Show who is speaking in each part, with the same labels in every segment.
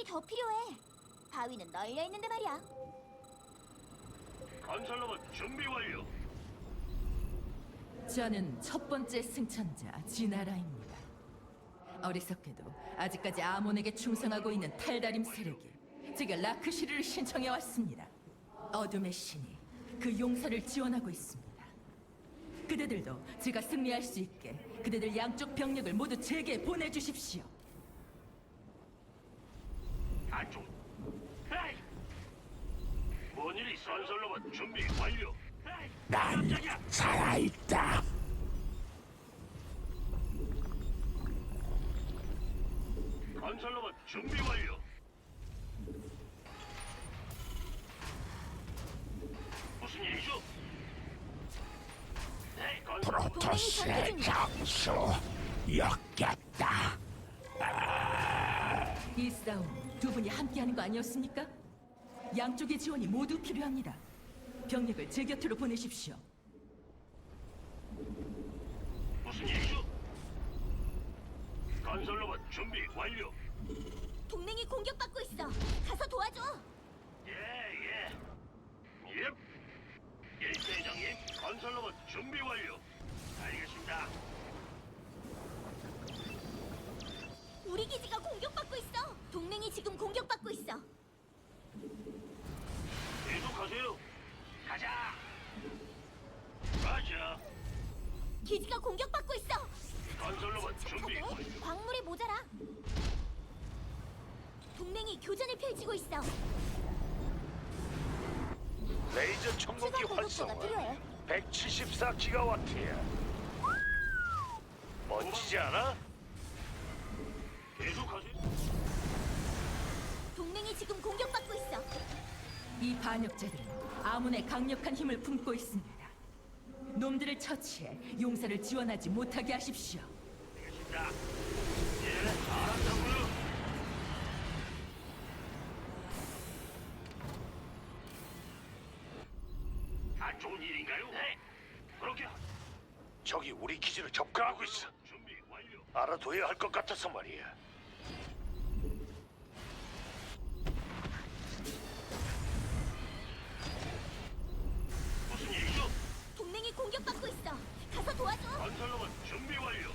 Speaker 1: 더 필요해. 바위는 널려 있는데 말이야.
Speaker 2: 건설로봇 준비 완료.
Speaker 3: 저는 첫 번째 승천자 지나라입니다. 어리석게도 아직까지 아몬에게 충성하고 있는 탈다림 세력이 제가 라크시르를 신청해 왔습니다. 어둠의 신이 그 용사를 지원하고 있습니다. 그대들도 제가 승리할 수 있게 그대들 양쪽 병력을 모두 제게 보내주십시오.
Speaker 2: 안쪽. 에이! 뭔 일이 있어? 건설로봇 준비 완료. 에이!
Speaker 4: 난
Speaker 2: 깜짝이야!
Speaker 4: 살아있다.
Speaker 2: 건설로봇 준비 완료. 무슨 일이죠? 네, 건설로봇
Speaker 4: 프로토스의 장수 역겹다.
Speaker 3: 이 싸움 두 분이 함께하는 거 아니었습니까? 양쪽의 지원이 모두 필요합니다. 병력을 제 곁으로 보내십시오.
Speaker 2: 무슨 일이죠? 건설로봇 준비 완료.
Speaker 1: 동맹이 공격받고 있어. 가서 도와줘.
Speaker 2: 예. 일대장님, 건설로봇 준비 완료. 알겠습니다.
Speaker 1: 우리 기지가 공격받고 있어. 동맹이 지금 공격받고 있어.
Speaker 2: 계속하세요. 가자. 맞아.
Speaker 1: 기지가 공격받고 있어.
Speaker 2: 건설로봇 준비
Speaker 1: 착하게.
Speaker 2: 완료.
Speaker 1: 광물이 모자라. 동맹이 교전을 펼치고 있어.
Speaker 4: 레이저 청동기
Speaker 1: 추가 보급소가
Speaker 4: 활성화
Speaker 1: 필요해.
Speaker 4: 174기가와트야. 멋지지 않아?
Speaker 2: 계속하세요.
Speaker 1: 동맹이 지금 공격받고 있어.
Speaker 3: 이 반역자들은 아문의 강력한 힘을 품고 있습니다. 놈들을 처치해 용사를 지원하지 못하게 하십시오.
Speaker 2: 알겠습니다. 예, 알았다고요. 안 좋은 일인가요? 네. 그렇게
Speaker 4: 적이 우리 기지를 접근하고 있어.
Speaker 2: 준비 완료.
Speaker 4: 알아둬야 할 것 같아서 말이야.
Speaker 2: 무슨 일이죠?
Speaker 1: 동맹이 공격받고 있어. 가서 도와줘.
Speaker 2: 건설로봇 준비 완료.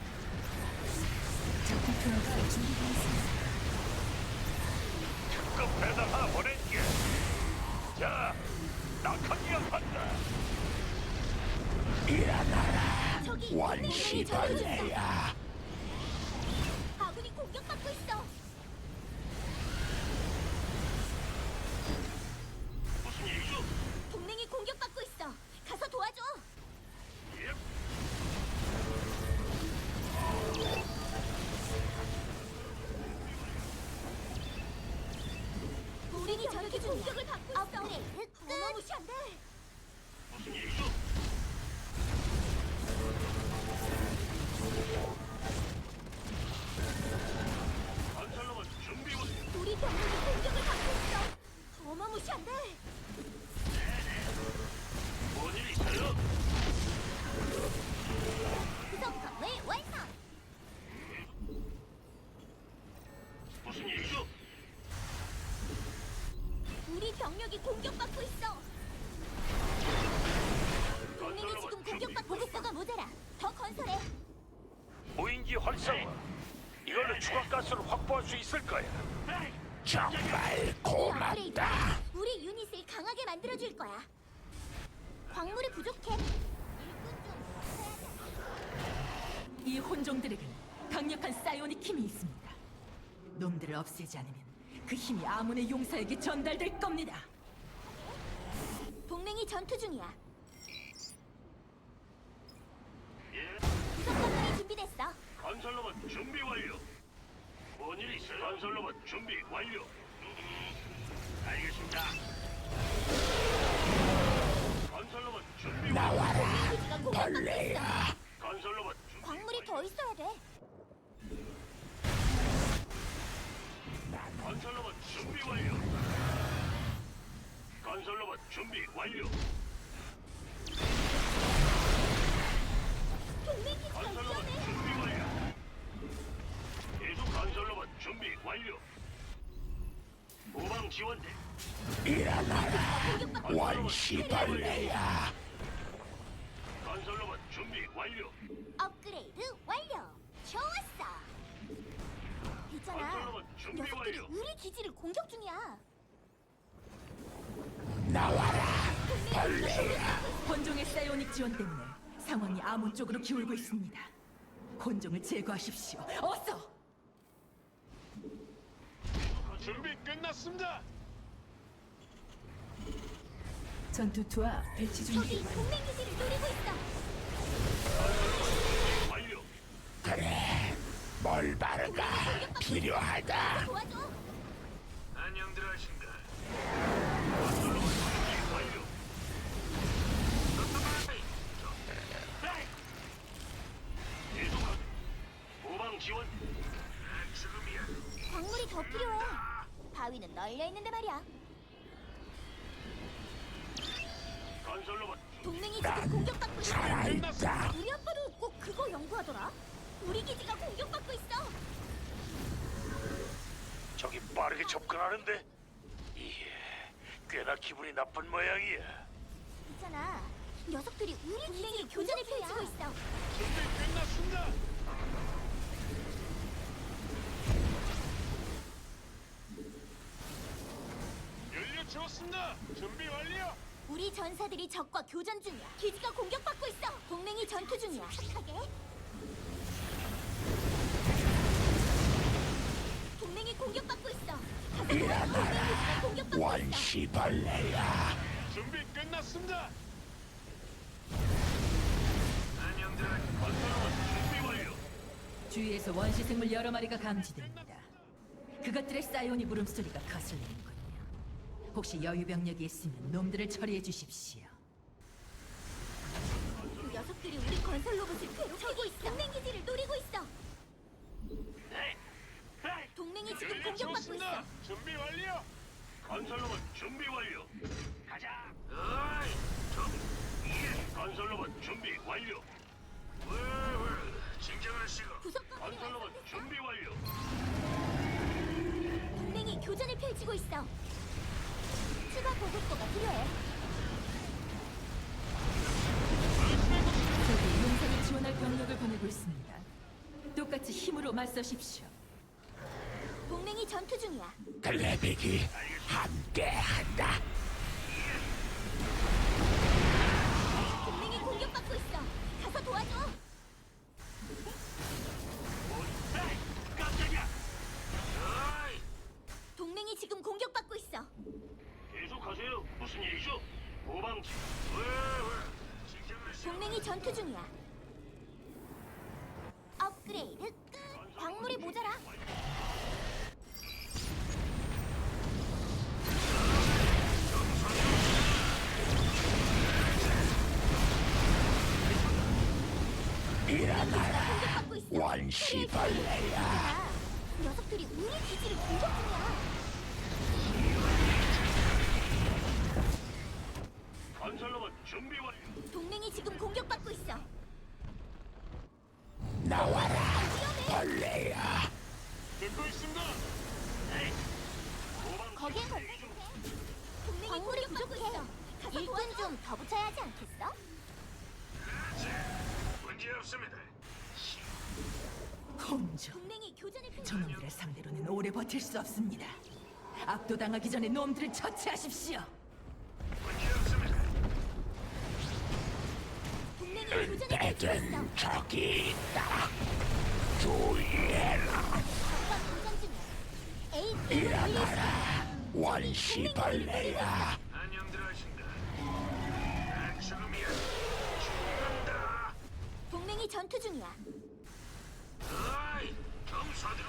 Speaker 3: 전투투어가 준비되어 있습니다.
Speaker 4: 특급 배달 하나 보낼게. 자, 낙하기가 간다. 일어나라,
Speaker 1: 저기 동맹이
Speaker 4: 원시벌레야.
Speaker 1: 아군이 공격받고 있어.
Speaker 2: 무슨 일이죠?
Speaker 1: 동맹이 공격받고 있어. 가서 도와줘.
Speaker 2: 예.
Speaker 1: 우리 저렇게 공격을 받고 있어. 어마무시한데.
Speaker 2: 무슨 일이죠? 건설로봇 준비 완료.
Speaker 1: 우리 병력이 공격을 받고 있어. 어마무시한데.
Speaker 2: 뭔 일 있어요?
Speaker 1: 구성 건물 완성.
Speaker 2: 무슨 일이죠?
Speaker 1: 우리 병력이 공격받고 있어. 동맹이 지금 공격받고 보급소가 모자라. 더 건설해.
Speaker 4: 무인기 활성화. 이걸로 추가 가스를 확보할 수 있을 거야.
Speaker 2: 에이,
Speaker 4: 정말
Speaker 1: 이
Speaker 4: 고맙다.
Speaker 1: 업그레이드가 우리 유닛을 강하게 만들어줄 거야. 광물이 부족해.
Speaker 3: 이 혼종들에겐 강력한 사이오닉 힘이 있습니다. 놈들을 없애지 않으면 그 힘이 아문의 용사에게 전달될 겁니다.
Speaker 1: 동맹이 전투 중이야.
Speaker 2: 예.
Speaker 1: 구성 건물이 준비됐어.
Speaker 2: 건설로봇 준비 완료. 뭔 일 있어요? 건설로봇 준비 완료. 알겠습니다. 건설로봇 준비 완료.
Speaker 4: 나와라,
Speaker 1: 기지가 공격받고 있어.
Speaker 4: 벌레야.
Speaker 2: 건설로봇 준비
Speaker 1: 광물이
Speaker 2: 완료.
Speaker 1: 더 있어야 돼.
Speaker 2: 건설로봇 준비 완료. 건설로봇 준비 완료.
Speaker 1: 동맹 기지가
Speaker 2: 건설로봇
Speaker 1: 위험해.
Speaker 2: 준비 완료. 계속 건설로봇 준비 완료. 지원대.
Speaker 5: 원시벌레야.
Speaker 2: 건설로봇 준비 완료.
Speaker 1: 업그레이드 완료. 좋았어. 있잖아.
Speaker 2: 건설로봇 준비
Speaker 1: 녀석들이
Speaker 2: 완료.
Speaker 1: 우리 기지를 공격 중이야.
Speaker 5: 나와라.
Speaker 3: 혼종의 사이오닉 지원 때문에 상황이 아몬 쪽으로 기울고 있습니다. 혼종을 제거하십시오. 어서!
Speaker 2: 준비 끝났습니다.
Speaker 3: 전투투와 배치
Speaker 1: 저기 동맹 기지를 노리고 있어.
Speaker 2: 완료.
Speaker 5: 그래. 멀바르가 필요하다.
Speaker 1: 도와줘.
Speaker 2: 안녕들 하신가. 건설로봇 준비 완료. 계속하게. 후방 지원. 지금이야.
Speaker 1: 광물이 더 필요해. 바위는 널려 있는데 말이야.
Speaker 2: 건설로봇
Speaker 1: 동맹이 지금 공격받고 있어.
Speaker 5: 살아있다.
Speaker 1: 우리 아빠도 꼭 그거 연구하더라. 우리 기지가 공격받고 있어.
Speaker 4: 저기 빠르게 접근하는데. 이게 꽤나 기분이 나쁜 모양이야.
Speaker 1: 있잖아. 녀석들이 우리 동맹이 교전을 펼치고 있어.
Speaker 2: 준비 끝났습니다. 연료 채웠습니다. 준비 완료.
Speaker 1: 우리 전사들이 적과 교전 중이야. 기지가 공격받고 있어. 동맹이 전투 중이야. 착하게. 동맹이 공격받고 있어. 가서 동맹 기지가 공격받고 있어.
Speaker 5: 원시벌레야.
Speaker 2: 준비 끝났습니다. 안녕들. 건설로봇 준비 완료.
Speaker 3: 주위에서 원시 생물 여러 마리가 감지됩니다. 그것들의 사이오닉 물음소리가 거슬리는군요. 혹시 여유 병력이 있으면 놈들을 처리해 주십시오.
Speaker 1: 그 녀석들이 우리 건설 로봇을 괴롭히고 있어. 동맹 기지를 노리고 있어.
Speaker 2: 네. 네.
Speaker 1: 동맹이 지금
Speaker 2: 연료
Speaker 1: 공격받고
Speaker 2: 채웠습니다.
Speaker 1: 있어.
Speaker 2: 준비 완료. 건설로봇 준비 완료. 가자. 어이, 건설로봇 준비 완료. 진정하시고.
Speaker 1: 부속 건물이
Speaker 2: 건설로봇
Speaker 1: 완성됐어.
Speaker 2: 준비 완료.
Speaker 1: 동맹이 교전을 펼치고 있어. 추가 보급고가 필요해.
Speaker 3: 저기 용산을 지원할 병력을 보내고 있습니다. 똑같이 힘으로 맞서십시오.
Speaker 1: 동맹이 전투 중이야.
Speaker 5: 글래빅이 함께한다.
Speaker 1: 동맹이 공격받고 있어. 가서 도와줘.
Speaker 2: 에이, 깜짝이야.
Speaker 1: 동맹이 지금 공격받고 있어.
Speaker 2: 계속하세요. 무슨 일이죠? 후방지.
Speaker 1: 동맹이 전투 중이야. 업그레이드 끝. 광물이 모자라.
Speaker 5: 일어나라.
Speaker 1: 공격받고 있어.
Speaker 5: 원시벌레야.
Speaker 1: 아, 녀석들이 우리 기지를 공격 중이야.
Speaker 2: 건설로봇 준비 완료.
Speaker 1: 동맹이 지금 공격받고 있어.
Speaker 5: 나와라.
Speaker 1: 위험해.
Speaker 5: 벌레야.
Speaker 2: 듣고 있습니다. 에이, 후방
Speaker 1: 거기에 건설해. 동맹이 광물이 부족해. 일꾼 좀 더 붙여야 하지 않겠어?
Speaker 2: 문제 없습니다.
Speaker 3: 혼종.
Speaker 1: 동맹이 교전을 펼치고
Speaker 3: 저놈들을 상대로는 오래 버틸 수 없습니다. 압도당하기 전에 놈들을 처치하십시오.
Speaker 2: 문제 없습니다.
Speaker 1: 동맹이 교전을 펼치고 있어.
Speaker 5: 은폐된 적이 있다. 주의해라.
Speaker 1: 적과 교전 중이야. 에이스
Speaker 5: 일어나라. 원시벌레야.
Speaker 2: 안녕들 하신가. 난 지금이야. 죽는다.
Speaker 1: 동맹이 전투 중이야.
Speaker 2: 어이, 좀 서두르.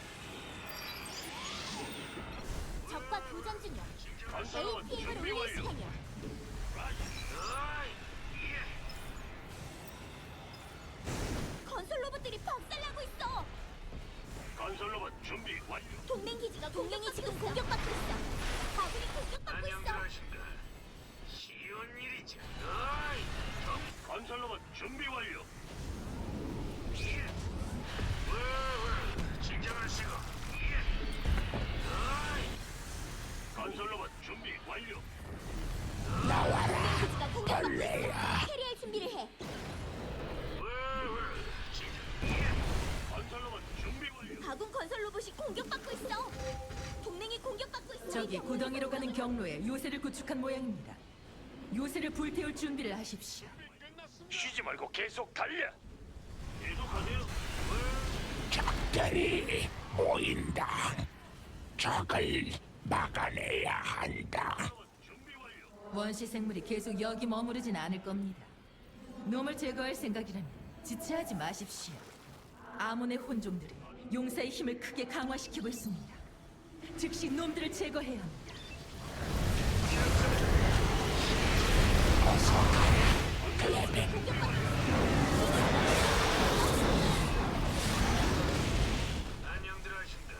Speaker 1: 적과 교전 중이야.
Speaker 2: 건설로봇
Speaker 1: APM을
Speaker 2: 준비
Speaker 1: 올릴
Speaker 2: 완료.
Speaker 1: 시간이야.
Speaker 2: 어이, 예.
Speaker 1: 건설 로봇들이 박살나고 있어.
Speaker 2: 건설로봇 준비 완료.
Speaker 1: 동맹이 지금 공격받고 있어. 아군이 공격받고
Speaker 2: 안녕들
Speaker 1: 있어.
Speaker 2: 하신가. 쉬운 일이지. 어이, 좀 건설로봇 준비 완료. 예. 진정하시고. 예. 어이.
Speaker 3: 경로에 요새를 구축한 모양입니다. 요새를 불태울 준비를 하십시오.
Speaker 4: 쉬지 말고 계속 달려.
Speaker 2: 계속하세요.
Speaker 5: 적들이 모인다. 적을 막아내야 한다.
Speaker 2: 준비 완료.
Speaker 3: 원시 생물이 계속 여기 머무르진 않을 겁니다. 놈을 제거할 생각이라면 지체하지 마십시오. 아몬의 혼종들이 용사의 힘을 크게 강화시키고 있습니다. 즉시 놈들을 제거해야 합니다.
Speaker 2: 안녕들 하신다.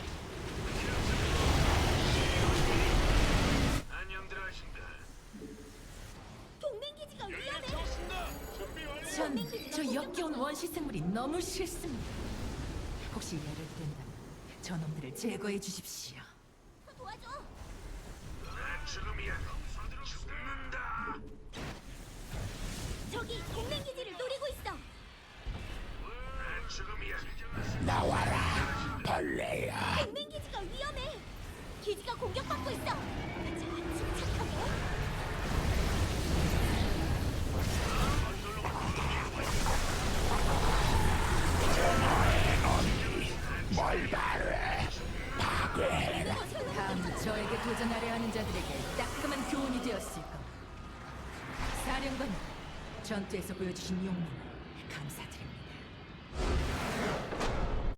Speaker 2: 안녕들 하신다.
Speaker 1: 동맹 기지가 위험해.
Speaker 2: 준비 완료.
Speaker 3: 저 역겨운 원시 생물이 너무 싫습니다. 혹시 예를 든다면 저놈들을 제거해 주십시오.
Speaker 1: 도와줘.
Speaker 2: 지금이야. 죽는다.
Speaker 1: 저기 동맹 기지를 노리고 있어.
Speaker 2: 지금이야.
Speaker 5: 나와라, 벌레야.
Speaker 1: 동맹 기지가 위험해. 기지가 공격받고 있어. 자, 침착하게.
Speaker 5: 뭘 바래? 파괴해라.
Speaker 3: 다음은 저에게 도전하려 하는 자들에게 따끔한 교훈이 되었을 겁니다. 사령관님, 전투에서 보여주신 용맹 감사드립니다.